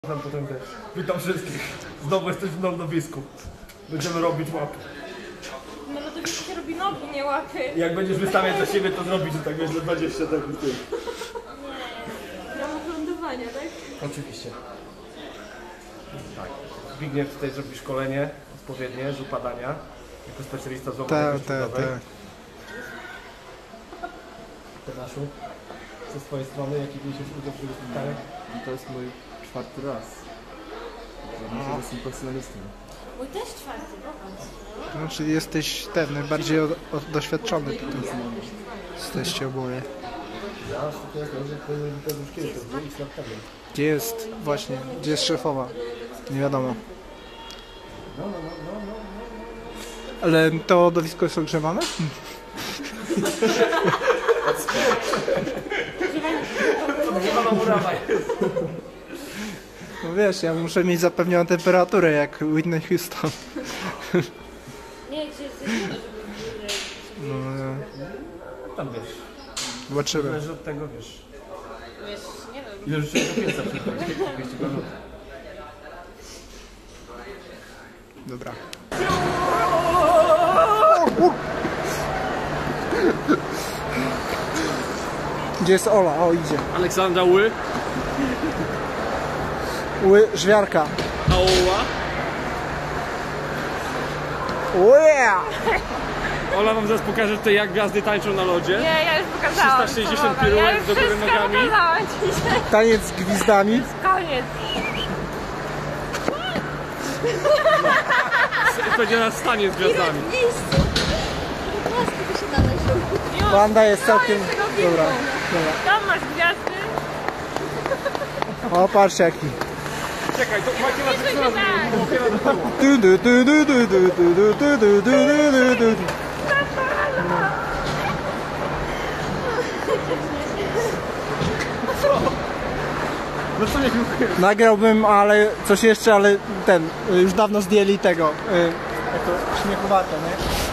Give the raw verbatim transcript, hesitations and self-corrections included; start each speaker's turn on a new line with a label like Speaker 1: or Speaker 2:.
Speaker 1: Potem też. Witam wszystkich. Znowu jesteś w lądowisku. Będziemy robić łapy.
Speaker 2: No lądowisku się robi nogi, nie łapy.
Speaker 1: Jak będziesz wystawiać za siebie, to zrobić, że tak wiesz, że dwadzieścia sekund.
Speaker 2: Nie. W ramach lądowania, tak?
Speaker 1: Oczywiście. Tak. Zbigniew tutaj zrobi szkolenie odpowiednie z upadania. Jako specjalista z łopu
Speaker 3: Tak, tak, tak.
Speaker 1: Tomaszu, co z twojej strony, jaki mieliście udział w tego spotkania?
Speaker 4: To jest mój czwarty raz. Myślę, że jestem profesjonalistą.
Speaker 2: Mój też czwarty, popatrz.
Speaker 3: No, czyli jesteś ten, najbardziej od, od, doświadczony tutaj. Jesteście oboje.
Speaker 1: Ja, to jest to, że to już kiedyś, to było x lat temu.
Speaker 3: Gdzie jest, właśnie, gdzie jest szefowa? Nie wiadomo.
Speaker 1: No, no, no, no, no, no.
Speaker 3: Ale to lodowisko jest ogrzewane?
Speaker 1: Ogrzewana murawa jest.
Speaker 3: No wiesz, ja muszę mieć zapewnioną temperaturę jak Whitney Houston.
Speaker 2: Nie, gdzie jest żeby
Speaker 3: No, no.
Speaker 1: Tam wiesz.
Speaker 3: Zobaczymy.
Speaker 1: Zależy od tego, wiesz.
Speaker 2: wiesz, nie wiem.
Speaker 1: Ile już się do pieca przychodzi? dwieście minut.
Speaker 3: Dobra. Gdzie jest Ola? O, idzie.
Speaker 5: Aleksandra Ły,
Speaker 3: Ły, żwiarka.
Speaker 5: a Ola?
Speaker 3: Ue!
Speaker 5: Ola wam zaraz pokaże tutaj, jak gwiazdy tańczą na lodzie.
Speaker 2: Nie, ja już pokazałam.
Speaker 5: trzysta sześćdziesiąt
Speaker 2: co mogę. Ja
Speaker 5: piruet
Speaker 2: już
Speaker 5: do góry
Speaker 2: wszystko
Speaker 5: nogami.
Speaker 2: pokazałam dzisiaj.
Speaker 3: Taniec z gwizdami.
Speaker 2: Koniec.
Speaker 5: Będzie nas stanie z gwiazdami.
Speaker 3: Wanda jest całkiem...
Speaker 2: Koniec tego filmu.
Speaker 3: Dobra, dobra.
Speaker 2: Tam masz gwiazdy.
Speaker 3: O, patrz jaki.
Speaker 5: Czekaj, to macie na
Speaker 2: Będzie
Speaker 5: wszystko
Speaker 2: tak.
Speaker 3: Du, du, du, du, du, du, du, du, du, du, du, du, du.
Speaker 5: No co niech
Speaker 3: Nagrałbym, ale coś jeszcze, ale ten, już dawno zdjęli tego, y, jak to śmiechowate, nie?